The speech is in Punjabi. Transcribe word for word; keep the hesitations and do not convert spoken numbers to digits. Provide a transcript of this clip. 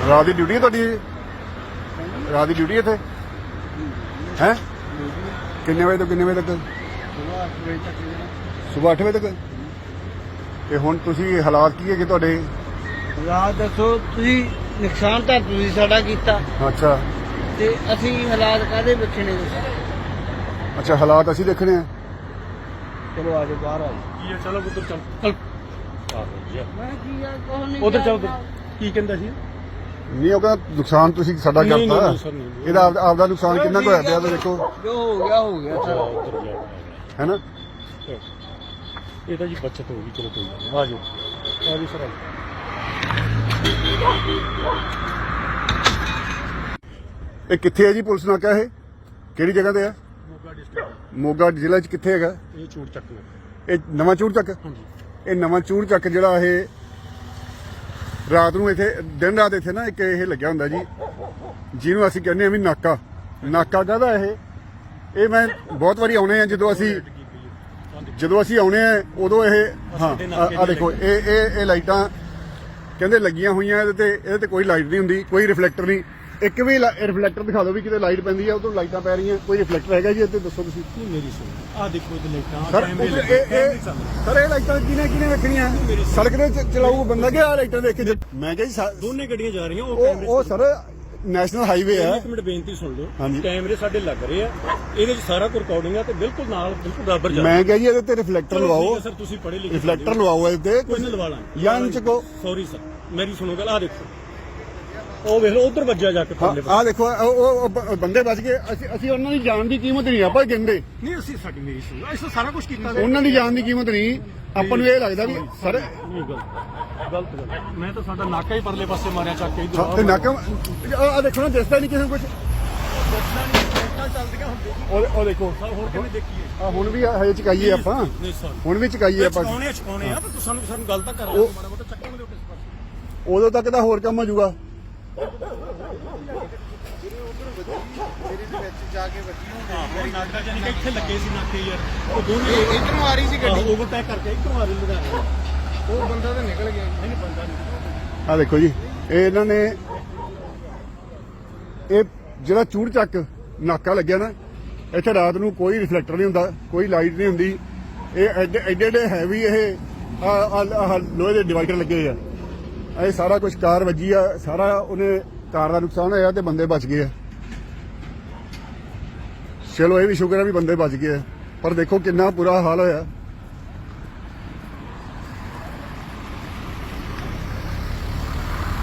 ਰਾਤ ਦੀ ਡਿਊਟੀ ਹੈ ਤੁਹਾਡੀ? ਰਾਤ ਦੀ ਡਿਊਟੀ ਇੱਥੇ ਹੈ? ਕਿੰਨੇ ਵਜੇ ਤੋਂ ਕਿੰਨੇ ਵਜੇ ਤੱਕ? ਸੁਬਾਹ ਅੱਠ ਵਜੇ ਤੱਕ। ਤੇ ਹੁਣ ਤੁਸੀਂ ਹਾਲਾਤ ਕੀ ਹੈਗੇ ਤੁਹਾਡੇ? ਰਾਤ ਦੱਸੋ ਤੁਸੀਂ, ਨੁਕਸਾਨ ਤਾਂ ਤੁਸੀਂ ਸਾਡਾ ਕੀਤਾ। ਅੱਛਾ ਤੇ ਅਸੀਂ ਹਾਲਾਤ ਕਾਹਦੇ ਵੇਖਣੇ? ਅੱਛਾ ਹਾਲਾਤ ਅਸੀਂ ਦੇਖਣੇ ਆ। ਚਲੋ ਆ ਜਾਓ, ਬਾਹਰ ਆ ਕੀ ਹੈ? ਚਲੋ ਉਧਰ ਚੱਲ ਚੱਲ ਮੈਂ ਕੀ ਆ ਕੋਹ ਨਹੀਂ ਉਧਰ ਚੱਲ। ਕੀ ਕਹਿੰਦਾ ਸੀ? ਨਹੀਂ ਉਹ ਕਹਿੰਦਾ ਨੁਕਸਾਨ ਤੁਸੀਂ ਸਾਡਾ ਨਹੀਂ, ਨਹੀਂ, ਕਰਤਾ। ਨਹੀਂ, ਸਰ, ਨਹੀਂ, ਨਹੀਂ। ਇਹਦਾ ਆਪ- ਆਪਦਾ ਨੁਕਸਾਨ ਕਿੰਨਾ ਕੁ ਹੋਇਆ ਪਿਆ ਤੇ ਦੇਖੋ, ਜੋ ਹੋ ਗਿਆ ਹੋ ਗਿਆ ਸਰ। ਉਧਰ ਜਾ ਹੈ ਨਾ? ਇਹ ਤਾਂ ਜੀ ਬੱਚਤ ਹੋ ਗਈ। ਚਲੋ ਕੋਈ ਗੱਲ ਨਹੀਂ, ਆ ਜਾਓ ਆ ਜੀ ਸਰ, ਆ ਜਾਓ। ਇਹ ਕਿੱਥੇ ਹੈ ਜੀ ਪੁਲਿਸ ਨਾਕਾ? ਇਹ ਕਿਹੜੀ ਜਗ੍ਹਾ ਤੇ ਹੈ? ਮੋਗਾ ਡਿਸਟ੍ਰਿਕਟ, ਮੋਗਾ ਜ਼ਿਲ੍ਹਾ 'ਚ ਕਿੱਥੇ ਹੈਗਾ? ਇਹ ਚੂੜ ਚੱਕ ਲਓ। ਇਹ ਨਵਾਂ ਚੂੜ ਚੱਕ। ਹਾਂਜੀ, ਇਹ ਨਵਾਂ ਚੂੜ ਚੱਕ ਜਿਹੜਾ ਇਹ ਰਾਤ ਨੂੰ ਇੱਥੇ ਦਿਨ ਰਾਤ ਇੱਥੇ ਨਾ ਇੱਕ ਇਹ ਲੱਗਿਆ ਹੁੰਦਾ ਜੀ, ਜਿਹਨੂੰ ਅਸੀਂ ਕਹਿੰਦੇ ਆ ਵੀ ਨਾਕਾ। ਨਾਕਾ ਕਾਹਦਾ ਇਹ? ਇਹ ਮੈਂ ਬਹੁਤ ਵਾਰੀ ਆਉਣੇ ਆ ਜਦੋਂ ਅਸੀਂ ਜਦੋਂ ਅਸੀਂ ਆਉਣੇ ਆ ਉਦੋਂ ਇਹ ਹਾਂ ਆ ਦੇਖੋ ਇਹ ਇਹ ਇਹ ਲਾਈਟਾਂ ਕਹਿੰਦੇ ਲੱਗੀਆਂ ਹੋਈਆਂ ਇਹਦੇ ਤੇ। ਇਹਦੇ ਤੇ ਕੋਈ ਲਾਈਟ ਨਹੀਂ ਹੁੰਦੀ, ਕੋਈ ਰਿਫਲੈਕਟਰ ਨਹੀਂ। ਇੱਕ ਵੀ ਰਿਫਲੈਕਟਰ ਦਿਖਾ ਦਿਓ ਵੀ ਕਿਤੇ ਲਾਈਟ ਪੈਂਦੀ ਆ ਉਦੋਂ ਲਾਈਟਾਂ ਪੈ ਰਹੀਆਂ। ਕੋਈ ਰਿਫਲੈਕਟਰ ਹੈਗਾ ਜੀ ਇੱਥੇ? ਦੱਸੋ ਤੁਸੀਂ। ਨਹੀਂ ਮੇਰੀ ਸੁਣੋ, ਆ ਦੇਖੋ ਇਹ ਲਾਈਟਾਂ, ਸਰ ਕੈਮਰੇ ਉੱਧਰ ਲੱਗੇ, ਇਹ ਇਹ ਸਰ ਇਹ ਲਾਈਟਾਂ ਕਿਹਨੇ ਕਿਹਨੇ ਵੇਖਣੀਆਂ? ਸੜਕ ਦੇ ਚ- ਚਲਾਊ ਬੰਦਾ ਕਿ ਆ ਲਾਈਟਾਂ ਦੇਖ ਕੇ ਜ- ਮੈਂ ਕਿਹਾ ਜੀ ਸਾ- ਦੋਨੇ ਗੱਡੀਆਂ ਜਾ ਰਹੀਆਂ। ਉਹ ਉਹ ਕੈਮਰੇ ਉਹ ਸਰ ਨੈਸ਼ਨਲ ਹਾਈਵੇ ਆ। ਇੱਕ ਮਿੰਟ ਬੇਨਤੀ ਸੁਣ ਲਓ। ਹਾਂਜੀ। ਕੈਮਰੇ ਸਾਡੇ ਲੱਗ ਰਹੇ ਆ, ਇਹਦੇ ਵਿੱਚ ਸਾਰਾ ਕੁਝ ਰਿਕਾਰਡਿੰਗ ਆ ਤੇ ਬਿਲਕੁਲ ਨਾਲ ਬਿਲਕੁਲ ਬਰਾਬਰ ਜਾ ਮੈਂ ਕਿਹਾ ਜੀ ਇਹਦੇ ਤੇ ਰਿਫਲੈਕਟਰ ਲਵਾਓ। ਸਰ ਤੁਸੀਂ ਪੜ੍ਹੇ ਲਿਖੇ ਰਿਫਲੈਕਟਰ ਲਵਾਓ ਇਹਦੇ ਕੋਈ ਨਹੀਂ ਲਵਾ ਲਾਂਗੇ। ਜਾਂ ਇੰਚ ਕੋ। ਸੌਰੀ ਸਰ, ਮੇਰੀ ਸੁਣੋ ਗੱਲ। ਆ ਦੇਖੋ ਉਹ ਵੇਖ ਲਓ ਉਧਰ ਵੱਜਿਆ ਜਾ ਕੇ ਥੱਲੇ। ਆ ਦੇਖੋ ਉਹ- ਉਹ ਉਹ ਬ- ਬੰਦੇ ਬਚ ਗਏ। ਅਸੀਂ ਅਸੀਂ ਉਹਨਾਂ ਦੀ ਜਾਨ ਦੀ ਕੀਮਤ ਨਹੀਂ ਆਪਾਂ ਕਹਿੰਦੇ। ਨਹੀਂ ਅਸੀਂ ਸਾਡੀ ਮੇਰੀ ਸੁਣੋ, ਅਸੀਂ ਸਾਰਾ ਕੁਝ ਕੀਤਾ। ਉਹਨਾਂ ਦੀ ਜਾਨ ਦੀ ਕੀਮਤ ਨਹੀਂ। ਆਪਾਂ ਨੂੰ ਇਹ ਲੱਗਦਾ ਵੀ ਸਰ ਨਹੀਂ ਗਲਤ ਗਲਤ ਗੱਲ। ਮੈਂ ਤਾਂ ਸਾਡਾ ਨਾਕਾ ਹੀ ਪਰਲੇ ਪਾਸੇ ਮਾਰਿਆ ਚੱਕ ਕੇ ਤੇ ਇਧਰ। ਨਾਕਾ ਆ ਦੇਖੋ ਨਾ, ਦਿਸਦਾ ਨਹੀਂ ਕਿਸੇ ਨੂੰ ਕੁਝ। ਚੱਲਦੀਆਂ ਹੁੰਦੀਆਂ ਉਹ ਉਹ ਦੇਖੋ ਹੋਰ ਕਿਵੇਂ ਦੇਖੀਏ? ਆ ਹੁਣ ਵੀ ਹਜੇ ਚਕਾਈਏ ਆਪਾਂ। ਨਹੀਂ ਸਰ, ਹੁਣ ਵੀ ਚਕਾਈਏ ਆਪਾਂ। ਚਕਾਉਣੇ ਚਕਾਉਣੇ ਆ, ਪਰ ਸਾਨੂੰ ਸਾਨੂੰ ਗੱਲ ਤਾਂ ਕਰ ਉਹ- ਮਾੜਾ ਮੋਟਾ ਚੱਕਾਂਗੇ ਉਸ ਪਾਸੇ। ਉਦੋਂ ਤੱਕ ਤਾਂ ਹੋਰ ਕੰਮ ਹੋ ਜਾਊਗਾ। ਆਹੋ ਨਾਕਾ ਜਾਨੀ ਕਿ ਇੱਥੇ ਲੱਗੇ ਸੀ ਨਾਕੇ ਯਾਰ। ਉਹ ਦੋਨੇ ਇਧਰੋਂ ਆ ਰਹੀ ਸੀ ਗੱਡੀ, ਓਵਰਟੇਕ ਕਰਕੇ ਇੱਧਰੋਂ ਆ ਰਹੀ ਲੁਧਿਆਣੇ। ਉਹ ਬੰਦਾ ਤਾਂ ਨਿਕਲ ਗਿਆ। ਨਹੀਂ ਨਹੀਂ ਬੰਦਾ ਨਹੀਂ। ਆ ਦੇਖੋ ਜੀ ਇਹ ਇਹਨਾਂ ਨੇ ਇਹ ਜਿਹੜਾ ਚੂੜ ਚੱਕ ਨਾਕਾ ਲੱਗਿਆ ਨਾ, ਇੱਥੇ ਰਾਤ ਨੂੰ ਕੋਈ ਰਿਫਲੈਕਟਰ ਨਹੀਂ ਹੁੰਦਾ, ਕੋਈ ਲਾਈਟ ਨਹੀਂ ਹੁੰਦੀ। ਇਹ ਐਡੇ ਐਡੇ ਐਡੇ ਹੈਵੀ ਇਹ ਆ ਆ ਲੋਹੇ ਦੇ ਡਿਵਾਈਡਰ ਲੱਗੇ ਆ। ਇਹ ਸਾਰਾ ਕੁਝ ਕਾਰ ਵੱਜੀ ਆ, ਸਾਰਾ ਉਹਨੇ ਕਾਰ ਦਾ ਨੁਕਸਾਨ ਹੋਇਆ ਤੇ ਬੰਦੇ ਬਚ ਗਏ ਆ। ਚਲੋ ਇਹ ਵੀ ਸ਼ੁਕਰ ਹੈ ਵੀ ਬੰਦੇ ਬਚ ਗਏ ਆ, ਪਰ ਦੇਖੋ ਕਿੰਨਾ ਬੁਰਾ ਹਾਲ ਹੋਇਆ।